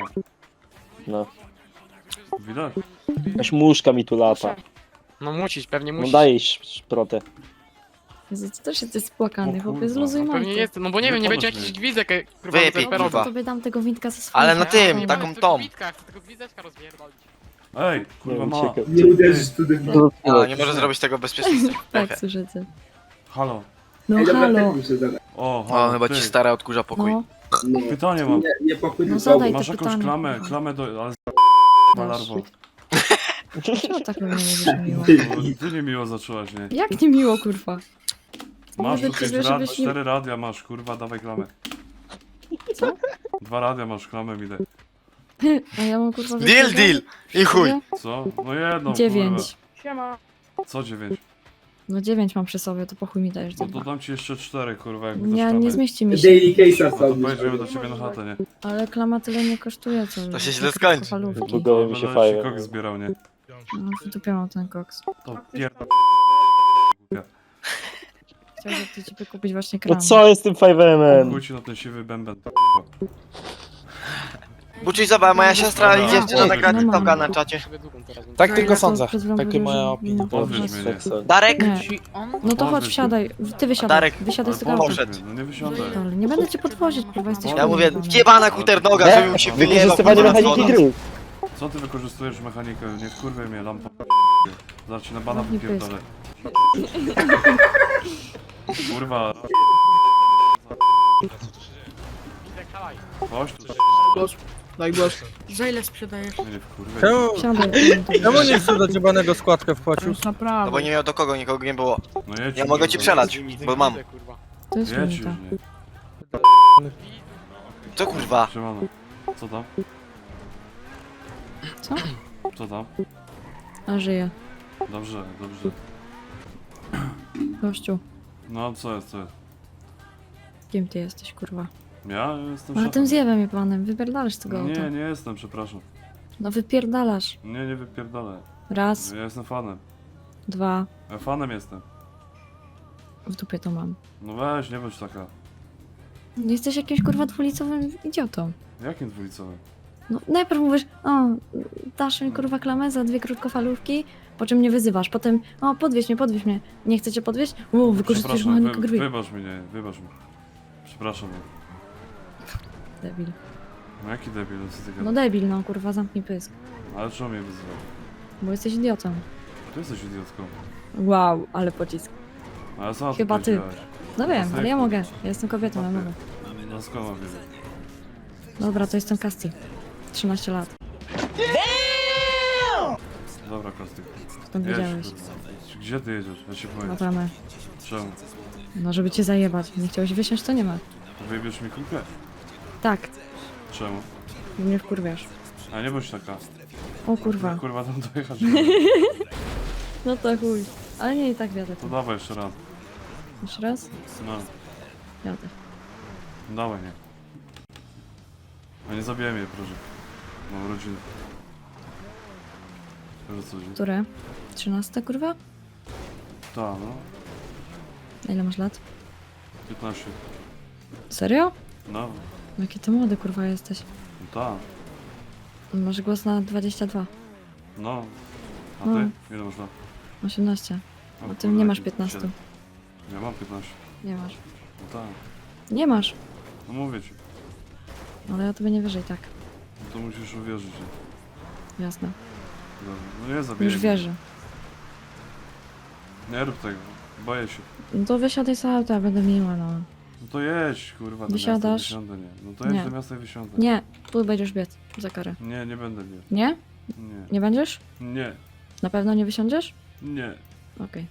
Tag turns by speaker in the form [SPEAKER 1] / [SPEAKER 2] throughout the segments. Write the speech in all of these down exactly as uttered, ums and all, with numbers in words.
[SPEAKER 1] No.
[SPEAKER 2] Widać?
[SPEAKER 1] Jakaś muszka mi tu lata.
[SPEAKER 3] No musisz, pewnie
[SPEAKER 1] No
[SPEAKER 3] musisz.
[SPEAKER 1] daj szprotę.
[SPEAKER 4] Jezu, ty też jesteś spłakany,
[SPEAKER 2] O
[SPEAKER 4] chłopie,
[SPEAKER 2] kurwa,
[SPEAKER 4] zluzuj
[SPEAKER 3] No pewnie
[SPEAKER 4] majtę.
[SPEAKER 3] jest, no bo nie
[SPEAKER 2] Nie
[SPEAKER 3] wiem, nie będzie
[SPEAKER 2] pomóż
[SPEAKER 3] jakichś
[SPEAKER 2] mi.
[SPEAKER 3] gwizdek, e, kurwa,
[SPEAKER 5] Wypij,
[SPEAKER 3] z
[SPEAKER 4] Dobrze,
[SPEAKER 5] kurwa.
[SPEAKER 4] to tobie dam tego windka ze swoim.
[SPEAKER 5] Ale na tym,
[SPEAKER 3] Nie
[SPEAKER 5] taką
[SPEAKER 3] mam
[SPEAKER 5] tą.
[SPEAKER 3] Gwizdka, chcę tego gwizdeczka rozpierdolić.
[SPEAKER 2] Ej, kurwa
[SPEAKER 1] Nie,
[SPEAKER 2] mała.
[SPEAKER 1] uciekaj.
[SPEAKER 6] Nie uderzysz tu do
[SPEAKER 5] A, nie może zrobić tego bezpieczeństwa.
[SPEAKER 4] Tak, słyszycie.
[SPEAKER 2] Halo.
[SPEAKER 4] No
[SPEAKER 6] Ej, dobra,
[SPEAKER 4] halo.
[SPEAKER 6] tak muszę zadać.
[SPEAKER 2] O, halo,
[SPEAKER 5] O, chyba
[SPEAKER 2] ty.
[SPEAKER 5] ci stara odkurza pokój.
[SPEAKER 4] No,
[SPEAKER 6] No.
[SPEAKER 2] Pytanie mam.
[SPEAKER 6] Nie, nie pokój,
[SPEAKER 4] No
[SPEAKER 6] tylko
[SPEAKER 4] zadaj.
[SPEAKER 2] Masz
[SPEAKER 4] to
[SPEAKER 2] jakąś
[SPEAKER 4] pytanie,
[SPEAKER 2] klamę,
[SPEAKER 4] kurwa.
[SPEAKER 2] klamę do... ale malarwo.
[SPEAKER 4] czemu tak mnie mówisz miło?
[SPEAKER 2] Ty niemiło zaczęłaś, nie?
[SPEAKER 4] Jak nie miło, kurwa?
[SPEAKER 2] Masz
[SPEAKER 4] Mówię
[SPEAKER 2] tu
[SPEAKER 4] ci,
[SPEAKER 2] pięć
[SPEAKER 4] żebyś
[SPEAKER 2] rad,
[SPEAKER 4] nie-
[SPEAKER 2] cztery radia masz, kurwa, dawaj klamę.
[SPEAKER 4] Co?
[SPEAKER 2] Dwa radia masz, klamę mi daj.
[SPEAKER 4] A ja mam kurwa...
[SPEAKER 5] Deal,
[SPEAKER 4] wyciągać?
[SPEAKER 5] deal! I chuj!
[SPEAKER 2] Co? No jedną,
[SPEAKER 4] Dziewięć.
[SPEAKER 3] Siema.
[SPEAKER 2] kurwa. Co dziewięć?
[SPEAKER 4] No dziewięć mam przy sobie, to po chuj mi dajesz
[SPEAKER 2] No
[SPEAKER 4] dwa.
[SPEAKER 2] to dam ci jeszcze cztery, kurwa, jak
[SPEAKER 4] Nie,
[SPEAKER 2] dasz
[SPEAKER 4] nie
[SPEAKER 2] klamę.
[SPEAKER 4] zmieści mi się.
[SPEAKER 6] Daily case'a
[SPEAKER 2] No to
[SPEAKER 6] sobie.
[SPEAKER 2] pojedziemy do ciebie na chatę, nie?
[SPEAKER 4] Ale klama tyle nie kosztuje, co...
[SPEAKER 5] To się
[SPEAKER 4] co
[SPEAKER 5] źle skończy.
[SPEAKER 4] krótkofalówki.
[SPEAKER 1] Zbugował mi się
[SPEAKER 2] Będę ci
[SPEAKER 1] fajnie.
[SPEAKER 2] kok zbierał, nie?
[SPEAKER 4] No, w dupie mam ten koks.
[SPEAKER 2] To pierdol...
[SPEAKER 4] Chciałbym ty ci wykupić właśnie
[SPEAKER 1] No
[SPEAKER 4] kram.
[SPEAKER 1] co jest tym five M M?
[SPEAKER 2] Chuj ci na ten siwy bęben, kurwa.
[SPEAKER 5] Buczuj, zobacz, moja siostra i dziewczyna nagra
[SPEAKER 4] No mam.
[SPEAKER 5] TikToka na czacie.
[SPEAKER 3] Sobie długą teraz.
[SPEAKER 7] Tak
[SPEAKER 4] Ja
[SPEAKER 7] tylko
[SPEAKER 4] to
[SPEAKER 7] sądzę.
[SPEAKER 4] przed chwilą
[SPEAKER 7] Takie
[SPEAKER 4] powiedział,
[SPEAKER 7] moja
[SPEAKER 4] że
[SPEAKER 7] opinia.
[SPEAKER 4] nie
[SPEAKER 2] Podwieź
[SPEAKER 4] można
[SPEAKER 2] mnie, nie?
[SPEAKER 1] Seksa.
[SPEAKER 5] Darek?
[SPEAKER 4] Nie. No to chodź,
[SPEAKER 2] Podwieź
[SPEAKER 4] wsiadaj. Ty wysiadaj.
[SPEAKER 5] Darek,
[SPEAKER 4] Wysiadaj z tego
[SPEAKER 2] Ale
[SPEAKER 4] auta.
[SPEAKER 5] poszedł.
[SPEAKER 2] No nie wysiądę.
[SPEAKER 4] Ale nie będę cię podwozić, kurwa, jesteś
[SPEAKER 5] Ja mówię,
[SPEAKER 4] pojebany.
[SPEAKER 5] jebana kuternoga, żeby mu się wyjebał.
[SPEAKER 1] Wykorzystywanie
[SPEAKER 5] kurwa,
[SPEAKER 1] mechaniki
[SPEAKER 5] dzwoniąc.
[SPEAKER 1] gry.
[SPEAKER 2] Co ty wykorzystujesz mechanikę? Nie wkurwaj mnie, lampa. Zaraz ci na bana
[SPEAKER 4] Zamknij
[SPEAKER 2] wypierdolę. Kurwa.
[SPEAKER 3] Gwizdek, hałaj.
[SPEAKER 2] Chodź tu.
[SPEAKER 7] Daj głos.
[SPEAKER 8] Za ile sprzedajesz?
[SPEAKER 2] Nie, nie wkurwaj.
[SPEAKER 7] Czemu,
[SPEAKER 4] Wsiadaj.
[SPEAKER 7] czemu nie chcesz dać jebanego składkę wpłacił?
[SPEAKER 8] Już
[SPEAKER 5] No
[SPEAKER 8] naprawdę.
[SPEAKER 5] bo nie miał do kogo, nikogo nie było.
[SPEAKER 2] No jedź
[SPEAKER 5] Ja
[SPEAKER 2] już,
[SPEAKER 5] mogę ci
[SPEAKER 2] kurwa.
[SPEAKER 5] przelać, bo mam.
[SPEAKER 3] Gwizdek, kurwa.
[SPEAKER 4] To jest
[SPEAKER 2] Jedź już,
[SPEAKER 4] minta.
[SPEAKER 2] nie.
[SPEAKER 5] Co kurwa?
[SPEAKER 2] Siemano. Co tam?
[SPEAKER 4] Co?
[SPEAKER 2] Co tam?
[SPEAKER 4] A żyje.
[SPEAKER 2] Dobrze, dobrze.
[SPEAKER 4] Gościu,
[SPEAKER 2] No co jest, co jest?
[SPEAKER 4] kim ty jesteś, kurwa?
[SPEAKER 2] Ja jestem
[SPEAKER 4] Ale
[SPEAKER 2] szefem.
[SPEAKER 4] tym zjewem je panem, wypierdalasz z tego auta.
[SPEAKER 2] Nie, nie jestem, przepraszam.
[SPEAKER 4] No wypierdalasz.
[SPEAKER 2] Nie, nie wypierdolę.
[SPEAKER 4] Raz,
[SPEAKER 2] Ja jestem fanem.
[SPEAKER 4] dwa,
[SPEAKER 2] Ja fanem jestem.
[SPEAKER 4] w dupie to mam.
[SPEAKER 2] No weź, nie bądź taka.
[SPEAKER 4] Jesteś jakimś kurwa dwulicowym idiotą.
[SPEAKER 2] Jakim dwulicowym?
[SPEAKER 4] No najpierw mówisz, o, dasz mi kurwa klamę za dwie krótkofalówki, po czym mnie wyzywasz. Potem, o, podwieź mnie, podwieź mnie. Nie chcecie podwieźć? O, wykorzystujesz
[SPEAKER 2] Przepraszam,
[SPEAKER 4] mechanikę
[SPEAKER 2] wy,
[SPEAKER 4] gry.
[SPEAKER 2] wybacz mnie, wybacz mnie. Przepraszam mnie.
[SPEAKER 4] Debil.
[SPEAKER 2] No jaki debil, no co ty
[SPEAKER 4] No
[SPEAKER 2] gadasz?
[SPEAKER 4] debil, no kurwa, zamknij pysk.
[SPEAKER 2] Ale czemu mnie wyzywał?
[SPEAKER 4] Bo jesteś idiotą.
[SPEAKER 2] Ty jesteś idiotką.
[SPEAKER 4] Wow, ale pocisk.
[SPEAKER 2] Ale sama
[SPEAKER 4] Chyba
[SPEAKER 2] to
[SPEAKER 4] ty.
[SPEAKER 2] powiedziałaś.
[SPEAKER 4] No wiem,
[SPEAKER 2] Jasne,
[SPEAKER 4] ale ja
[SPEAKER 2] jak
[SPEAKER 4] mogę.
[SPEAKER 2] to-
[SPEAKER 4] Ja jestem kobietą, ja mogę.
[SPEAKER 2] No skąd mam wiedzieć?
[SPEAKER 4] Dobra, to jestem Kasti. trzynaście lat.
[SPEAKER 2] Dobra, Kostyk.
[SPEAKER 4] Skąd
[SPEAKER 2] Jedź,
[SPEAKER 4] wiedziałeś?
[SPEAKER 2] kurwa. Gdzie ty jedziesz? Ja się
[SPEAKER 4] No
[SPEAKER 2] boję.
[SPEAKER 4] tam.
[SPEAKER 2] Czemu?
[SPEAKER 4] No żeby cię zajebać. Nie chciałeś wysiąść, to nie ma.
[SPEAKER 2] Wyjebiesz mi kulkę?
[SPEAKER 4] Tak,
[SPEAKER 2] Czemu?
[SPEAKER 4] bo mnie wkurwiasz.
[SPEAKER 2] A nie bądź taka.
[SPEAKER 4] O kurwa.
[SPEAKER 2] Kurwa tam dojechać.
[SPEAKER 4] No to chuj. Ale nie i tak wiadę.
[SPEAKER 2] To dawaj jeszcze raz.
[SPEAKER 4] Jeszcze raz?
[SPEAKER 2] No,
[SPEAKER 4] Jadę.
[SPEAKER 2] dawaj, nie. A nie zabijaj mnie, proszę. Mam rodzinę. Że co, gdzie?
[SPEAKER 4] Które? trzynaste kurwa?
[SPEAKER 2] Ta, no.
[SPEAKER 4] A ile masz lat?
[SPEAKER 2] piętnaście.
[SPEAKER 4] Serio?
[SPEAKER 2] No,
[SPEAKER 4] No jaki ty młody kurwa jesteś.
[SPEAKER 2] no ta.
[SPEAKER 4] Masz głos na dwadzieścia dwa.
[SPEAKER 2] No. A
[SPEAKER 4] No.
[SPEAKER 2] ty? Ile masz lat?
[SPEAKER 4] osiemnaście.
[SPEAKER 2] O,
[SPEAKER 4] A ty
[SPEAKER 2] kurde,
[SPEAKER 4] nie masz
[SPEAKER 2] jakie
[SPEAKER 4] piętnaście.
[SPEAKER 2] siedem. Ja mam piętnaście.
[SPEAKER 4] Nie masz.
[SPEAKER 2] No tak.
[SPEAKER 4] Nie masz.
[SPEAKER 2] No mówię ci.
[SPEAKER 4] Ale ja tobie nie wierzę i tak.
[SPEAKER 2] No to musisz uwierzyć. nie?
[SPEAKER 4] Jasne.
[SPEAKER 2] Dobra. No nie zabijaj
[SPEAKER 4] Już
[SPEAKER 2] mnie.
[SPEAKER 4] wierzę.
[SPEAKER 2] Nie rób tego. Boję się.
[SPEAKER 4] No to wysiadaj z auta, będę miła, no.
[SPEAKER 2] No to jedź, kurwa, do
[SPEAKER 4] Wysiadasz?
[SPEAKER 2] miasta i wysiądę, nie. No to jedź
[SPEAKER 4] Nie.
[SPEAKER 2] do miasta i wysiądę.
[SPEAKER 4] Nie, tu będziesz biec za karę.
[SPEAKER 2] Nie, nie będę biegł.
[SPEAKER 4] Nie?
[SPEAKER 2] Nie.
[SPEAKER 4] Nie będziesz?
[SPEAKER 2] Nie.
[SPEAKER 4] Na pewno nie wysiądziesz?
[SPEAKER 2] Nie.
[SPEAKER 4] Okej.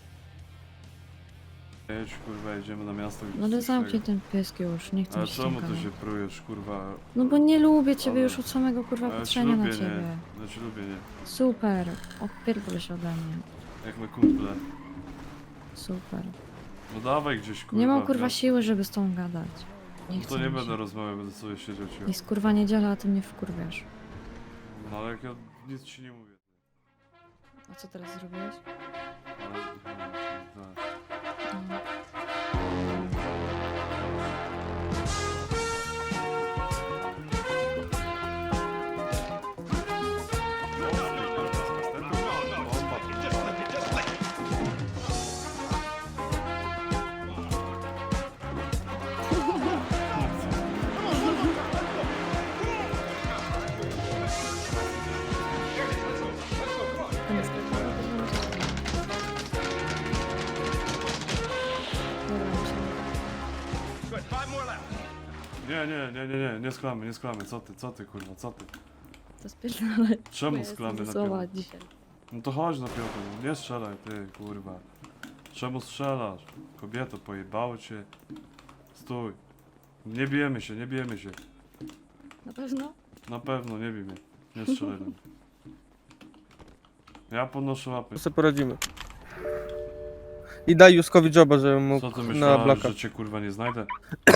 [SPEAKER 2] Jedź, kurwa, jedziemy na miasto. i
[SPEAKER 4] No ale
[SPEAKER 2] coś
[SPEAKER 4] zamknij
[SPEAKER 2] tego.
[SPEAKER 4] ten pysk już, nie chcę
[SPEAKER 2] Ale
[SPEAKER 4] mi się
[SPEAKER 2] czemu
[SPEAKER 4] tym
[SPEAKER 2] ty
[SPEAKER 4] gadać.
[SPEAKER 2] się prujesz, kurwa?
[SPEAKER 4] No bo nie lubię ciebie
[SPEAKER 2] Ale-
[SPEAKER 4] już od samego kurwa
[SPEAKER 2] Ale cię
[SPEAKER 4] patrzenia na
[SPEAKER 2] lubię,
[SPEAKER 4] ciebie.
[SPEAKER 2] nie. Ja cię lubię, nie.
[SPEAKER 4] Super, odpierdol się ode mnie.
[SPEAKER 2] Jak my kumple.
[SPEAKER 4] Super.
[SPEAKER 2] No dawaj gdzieś, kurwa.
[SPEAKER 4] Nie mam
[SPEAKER 2] w
[SPEAKER 4] kurwa
[SPEAKER 2] miasto.
[SPEAKER 4] siły, żeby z tą gadać. Nie
[SPEAKER 2] No
[SPEAKER 4] chcę
[SPEAKER 2] to nie
[SPEAKER 4] mi
[SPEAKER 2] będę
[SPEAKER 4] się.
[SPEAKER 2] rozmawiał, będę sobie siedział cicho.
[SPEAKER 4] Jest kurwa niedziela, a ty mnie wkurwiasz.
[SPEAKER 2] No ale jak ja nic ci nie mówię.
[SPEAKER 4] A co teraz zrobiłeś?
[SPEAKER 2] Ale... no, tak.
[SPEAKER 4] No.
[SPEAKER 2] Nie, nie, nie, nie, nie, nie sklamy, nie sklamy. Co ty, co ty, kurwa, co ty?
[SPEAKER 4] To spierdalaj.
[SPEAKER 2] Czemu sklamy na
[SPEAKER 4] słowa
[SPEAKER 2] piątkę?
[SPEAKER 4] dzisiaj.
[SPEAKER 2] No to chodź na piątkę, no nie strzelaj, ty, kurwa. Czemu strzelasz? Kobieto, pojebało cię. Stój. Nie bijemy się, nie bijemy się.
[SPEAKER 4] Na pewno?
[SPEAKER 2] Na pewno, nie bij mnie. Nie strzelaj do mnie. Ja podnoszę łapy.
[SPEAKER 7] To sobie poradzimy. I daj Juskowi joba, żeby mógł
[SPEAKER 2] Co ty
[SPEAKER 7] na
[SPEAKER 2] myślałeś,
[SPEAKER 7] blaka.
[SPEAKER 2] że cię kurwa nie znajdę?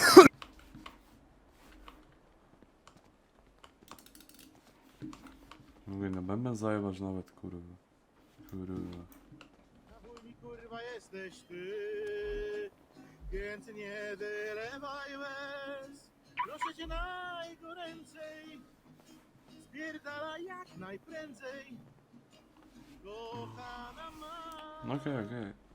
[SPEAKER 2] Mówię, na bęben zajebać nawet, kurwa. Kurwa.
[SPEAKER 6] Na chuj mi kurwa jesteś ty, więc nie wylewaj łez. Proszę cię najgoręcej, spierdalaj jak najprędzej. Kochana ma.
[SPEAKER 2] No okej, okej.